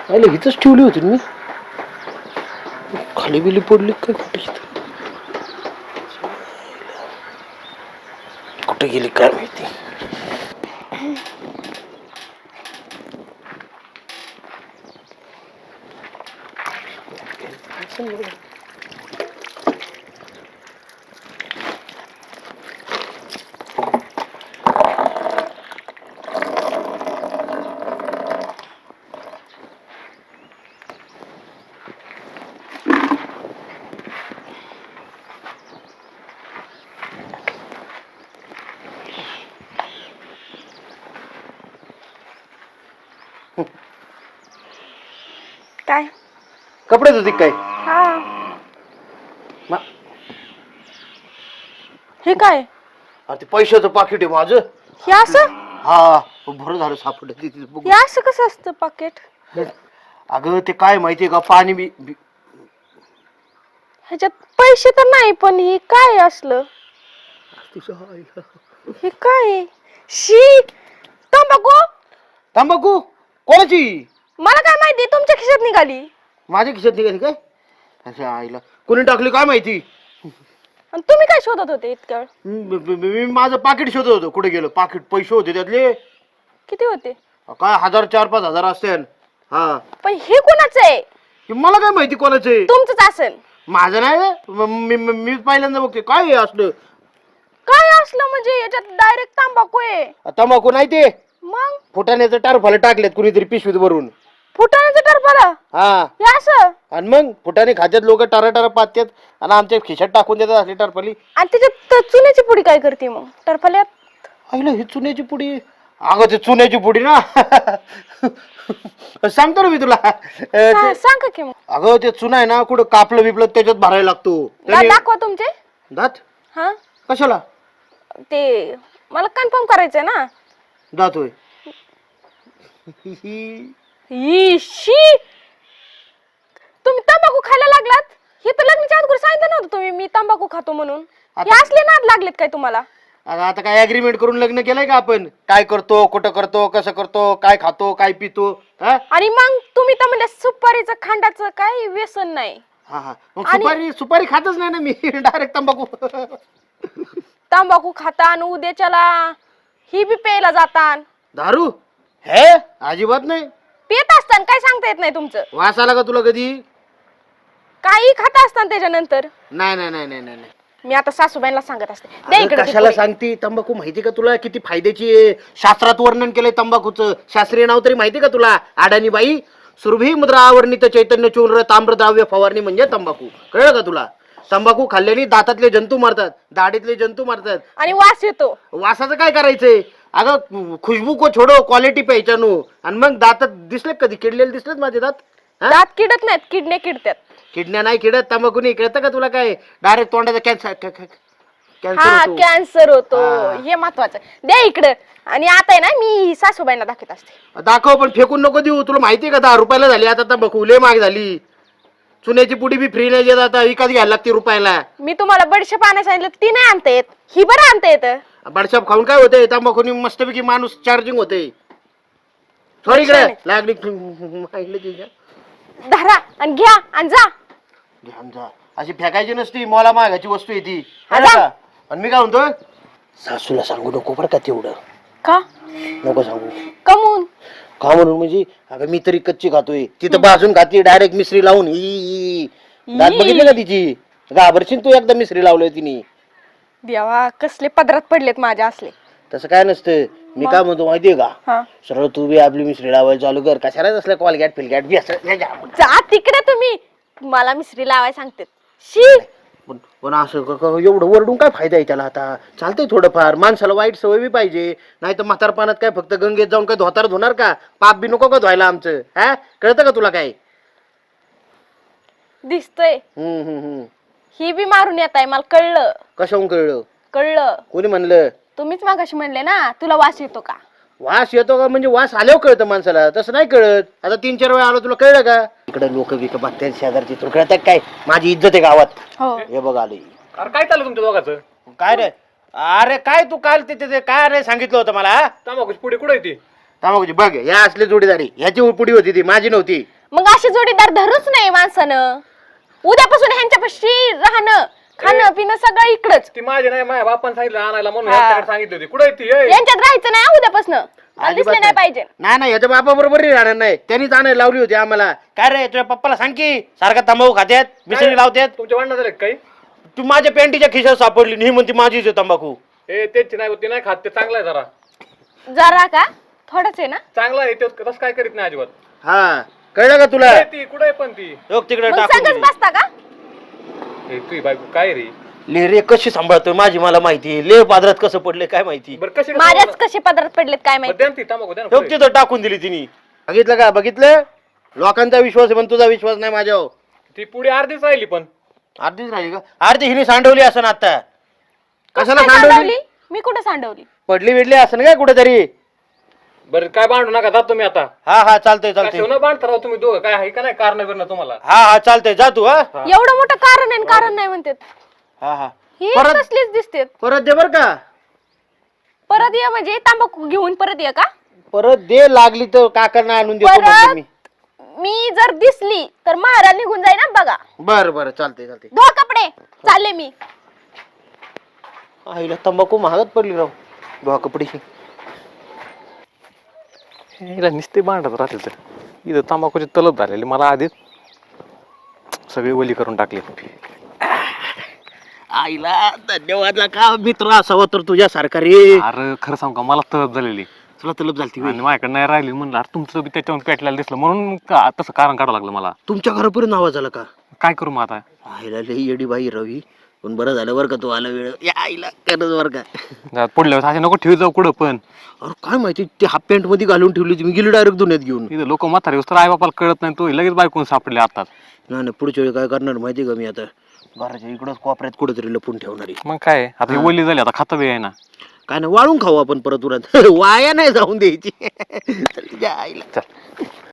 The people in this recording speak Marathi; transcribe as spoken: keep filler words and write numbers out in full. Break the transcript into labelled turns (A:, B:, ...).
A: आयला हिथंच ठेवली होती मी. खाली बिली पडली काय कुठे? कुठे गेली काय माहिती.
B: काय
A: कपडे धुती काय?
B: हा
A: मा-
B: हे काय
A: अरे ते पैशाचं पाकिट आहे माझं.
B: हे असं
A: हा बरं झालं सापडलं. ते- ते बघ.
B: हे असं कसं असतं पाकिट?
A: अगं ते काय माहितीये का पाणी बी बी-
B: ह्याच्यात पैसे तर नाही पण हे काय असलं?
A: तुझ्या आईला.
B: हे काय शी तंबाखू?
A: तंबाखू कोणाची?
B: मला काय माहिती तुमच्या खिशात निघाली.
A: माझ्या खिशात निघाली काय? अशा आईला कोणी टाकली काय माहिती.
B: आणि तुम्ही काय शोधत होते इतक्या वेळ?
A: मी मी- मी माझं पाकिट शोधत होतो. कुठे गेलो पाकिट? पैसे होते त्यातले
B: किती होते?
A: काय हजार चार पाच हजार असते. हा
B: पण हे कोणाचं आहे?
A: हे मला काय माहिती कोणाचं आहे.
B: तुमचंच असेल.
A: माझं नाही रे. म- मी मी- मी पहिल्यांदा बघते काय हे असलं.
B: काय असलं म्हणजे याच्यात डायरेक्ट तंबाखू आहे.
A: तंबाखू नाही ते
B: मग
A: फुटाण्याचं टारफाला टाकलेत कुणीतरी पिशवीत भरून.
B: फुटाण्याचं टरफला
A: हा
B: हे असं?
A: आणि मग फुटाने खात्यात लोक टारा टारा पात्यात आणि आमच्या खिशात टाकून देतात असली टरफली.
B: आणि त्याच्यात चुन्याची पुडी काय करते मग टरफल्यात?
A: आईला ही चुन्याची पुडी. अगं ते चुन्याची पुडी ना. सांगतो ना मी तुला.
B: सा-
A: ते-
B: सांगा की मग.
A: अगं ते चुना आहे ना कुठं कापलं बिपलं त्याच्यात भरायला लागतो.
B: दा-
A: त्याने-
B: दाखवा तुमचे.
A: दात
B: हा
A: कशाला?
B: ते मला कन्फर्म करायचंय ना.
A: दात होय.
B: इशी तुम्ही तंबाखू खायला लागलात? हे तर लग्नाच्या अगोदर सांगितलं नव्हतं तुम्ही मी तंबाखू खातो म्हणून. हे
A: आता-
B: असले नाद लागलेत काय तुम्हाला?
A: अगं आता काय अग्रीमेंट करून लग्न केलंय का आपण? काय करतो कुठं करतो कसं करतो काय खातो काय पितो. हा
B: आणि मग तुम्ही तर म्हणजे सुपारीचं खांडाचं काही व्यसन नाही.
A: हा हा मग
B: आणि-
A: सुपारी सुपारी खातच नाही ना मी. डायरेक्ट तंबाखू.
B: तंबाखू खाता आणि उद्याच्याला ही बी प्यायला जातान.
A: दारू हे अजिबात नाही.
B: पित असताना काय सांगता येत नाही तुमचं.
A: वास आला का तुला कधी?
B: काही खाता असताना त्याच्यानंतर.
A: नाही नाही नाही नाही नाही.
B: मी आता सासूबाईंना सांगत असते द्या
A: अगं,
B: इकडे ती
A: कशाला
B: पुडी.
A: सांगती? तंबाखू माहिती का तुला किती फायद्याची आहे? शास्त्रात वर्णन केलंय तंबाखूचं. शास्त्रीय नाव तरी माहिती का तुला? अडाणी बाई सुरभी मुद्रा आवरणित चैतन्य चूर्ण ताम्रद्राव्य फवारणी म्हणजे तंबाखू. कळलं का तुला? तंबाखू खाल्ल्याने दातातले जंतू मारतात दाढीतले जंतू मारतात.
B: आणि वास येतो.
A: वासाचं काय करायचंय? अगं खुशबू को छोडो क्वालिटी प्यायच्यानो. आणि मग दातात दिसले कधी किडलेले दिसलेत माझे दात? हा?
B: दात किडत नाहीत किडण्या किडतात.
A: किडण्या नाही किडत तंबाखू नाही. कळतं का तुला? काय डायरेक्ट तोंडाचा कॅन्सर कॅन्सर
B: हा
A: होतो.
B: कॅन्सर होतो.
A: हा.
B: हे महत्वाचं. द्या इकडं. आणि आता आहे ना मी सासूबाईंना दाखवत असते.
A: दाखव पण फेकून नको देऊ. तुला माहितीये का दहा रुपयाला झाली आता तंबाखू. लय महाग झाली. चुन्याची पुडी बी फ्री नाही देत आता. विकत घ्यायला लागते रुपयाला.
B: मी तुम्हाला बडीशेप आणायला सांगितलं ती नाही आणता येत. ही बरं आणता येतं.
A: बडशाप खाऊन काय होतंय? तंबाखूनी मस्तपैकी माणूस चार्जिंग होते. थोडी इकडे लागली माहिती तुझ्या.
B: धरा आणि घ्या आणि जा.
A: ध्यान जा. अशी फेकायची नसती. मला मागायची वस्तू आहे ती.
B: हा,
A: कळलं
B: जा.
A: का? आणि मी काय म्हणतो सासूला सांगू नको बरं का तेवढं.
B: का
A: नको सांगू.
B: कमून?
A: का म्हणून म्हणजे अगं मी तरी कच्ची खातोय. तिथं भाजून खाते डायरेक्ट मिसरी लावून. ई दात बघितले का तिची? घाबरशील तू एकदा मिसरी लावलोय तिने.
B: देवा कसले पदरात पडलेत माझ्या असले.
A: तसं काय नसतं. मी काय म्हणतो माहितीये का?
B: हा
A: सरळ तू बी आपली मिसरी लावायला चालू कर. कशाला असल्या कॉलगॅट फिलगॅट बी असं
B: जा तिकडे तुम्ही. मला मिसरी लावाय सांगते. शी
A: पण पण असं क- क- एवढं वरडून काय फायदा आहे त्याला? आता चालतंय थोडंफार. माणसाला वाईट सवय बी पाहिजे. नाही तर म्हातारपणात काय फक्त गंगेत जाऊन काय धोतार धुणार का? पाप बी नको का धुवायला आमचं? हा कळतं का तुला काय?
B: दिसतोय.
A: हम्म हम्म हम्म
B: ही बी मारून येत आहे मला कळलं.
A: कशाहून कळलं?
B: कळलं.
A: कोणी म्हणलं?
B: तुम्हीच मागाशी म्हणले ना तुला वास येतो का?
A: वास येतो का म्हणजे वास आल्यावर कळतं माणसाला. तसं नाही कळत. आता तीन चार वेळा आलो तुला कळलं का? इकडे लोक बिक बघतात शेजारची. तुला कळतात काय? माझी इज्जत आहे गावात.
B: हो
A: हे बघ आली.
C: अरे काय चाललं तुमच्या दोघांचं?
A: काय रे? अरे काय तू काल ते ते- ते काय रे सांगितलं होतं मला?
C: तंबाखूची पुढे कुठे ती?
A: तंबाखूची बघ या असली जोडीदारी. ह्याची पुडी होती ती माझी नव्हती.
B: मग अशी जोडीदार धरूच नाही माणसानं. उद्यापासून ह्यांच्यापाशी राहणं खाणं पिणं सगळं इकडच.
C: ती माझी नाही, माझ्या बापान सांगितलं आणायला म्हणून
B: हा.
C: ह्याच्याकडे सांगितली होती. कुठे ती ए?
B: यांच्यात राहायचं नाही उद्यापासून. दिसले नाही पाहिजे.
A: नाही नाही याच्या बापा बरोबर राहणार नाही, त्यांनीच आणायला लावली होती आम्हाला. काय रे तुझ्या पप्पाला सांग की सारखा तंबाखू खात्यात मिसळी लावत्यात.
C: तुमच्या भांडणं झाले का काही?
A: तू माझ्या पॅन्टीच्या खिशात सापडली नाही म्हणते माझीच आहे तंबाखू.
C: ए तेच नाही होती, नाही खात ते. चांगला आहे जरा,
B: जरा का थोडंच आहे ना.
C: चांगला आहे ते. तसं काय करीत नाही अजिबात.
A: हा कळलं का तुला?
C: ए, ती कुठे पण ती
A: लोक तिकडे
B: मग
A: टाकून
B: संगच
A: दिली.
B: बसता का.
C: ए, तुझी बायको काय रे?
A: ले रे कशी सांभाळतोय माझी मला माहिती. ले पादरात कसं पडले काय माहिती.
C: बरं कशी
B: माझ्याच कसे पदरात पडलेत काय माहिती.
C: द्या ना ती तंबाखू, द्या ना
A: लोक
C: पुढे.
A: तिथं टाकून दिली तिने. बघितलं का? बघितलं लोकांचा विश्वास आहे पण तुझा विश्वास नाही माझ्यावर.
C: ती पुढे अर्धीच राहिली पण.
A: अर्धीच राहिली का? अर्धी हिने सांडवली असं आता. कशाला
B: काय
A: सांडवली?
B: सांडवली मी कुठे सांडवली.
A: पडली बिडली असं काय कुठेतरी.
C: बरं काय भांडू नका, जा तुम्ही आता.
A: हा हा चालतंय चालतंय.
C: न बांधता राहू तुम्ही दोघं. काय आहे का नाही कारण बिरणं तुम्हाला?
A: हा हा चालतंय जा तू. हा
B: एवढं मोठं कारण आहे आणि कारण नाही म्हणतात.
A: हा हा
B: हे
A: परत
B: तसलीच दिसतेत.
A: परत दे बर का.
B: परत ये म्हणजे तांबाखू घेऊन परत ये का.
A: परत दे लागली तर काकांना आणून देतो म्हणतो
B: परत
A: मी.
B: मी जर दिसली तर महाराज निघून जाई ना बघा.
A: बर बर चालतंय चालतंय.
B: धो कपडे चालले मी.
A: आईला तंबाखू महागात पडली राव. धुवा कपडे.
C: हिला नुसते भांडत राहते तर. इथं तंबाखूची तलब झालेली मला आधीच सगळी ओली करून टाकली.
A: आईला धन्यवाद का मित्र असावा तर तुझ्या सारखा रे.
C: अरे खरं सांगू का, मला तलब झालेली
A: तुला तलब झालती होय?
C: आणि माझ्याकडे नाही राहिली. म्हणलं अरे तुमचं बी त्याच्यावर पेटलेलं दिसलं म्हणून का तसं कारण काढावं लागलं मला.
A: तुमच्या घरापर्यंत आवाज आला का?
C: काय करू मग आता?
A: आईला लई येडी बाई रवी. पण बरं झालं बरं का तू आला वेळ. या आईला करत बरं का.
C: जा, पुढल्या वेळेस असे नको ठेवी जाऊ कुठं पण.
A: अरे काय माहिती ते हाफ पॅन्ट मध्ये घालून ठेवली होती मी. गेली डायरेक्ट दुनियात घेऊन.
C: इथं लोक म्हातारे होस तर आई बापाला कळत नाही, तो लगेच बायकून सापडले आता.
A: नाही नाही पुढच्या वेळी काय करणार माहिती का मी आता घराच्या इकडंच कोपऱ्यात कुठेतरी लपून ठेवणार आहे.
C: मग काय आता ही ओली झाली, आता खाता बी आहे ना.
A: काय नाही वाळून खाऊ आपण परत उरात. वाया नाही जाऊन द्यायची. चल, जा आईला.
C: चल.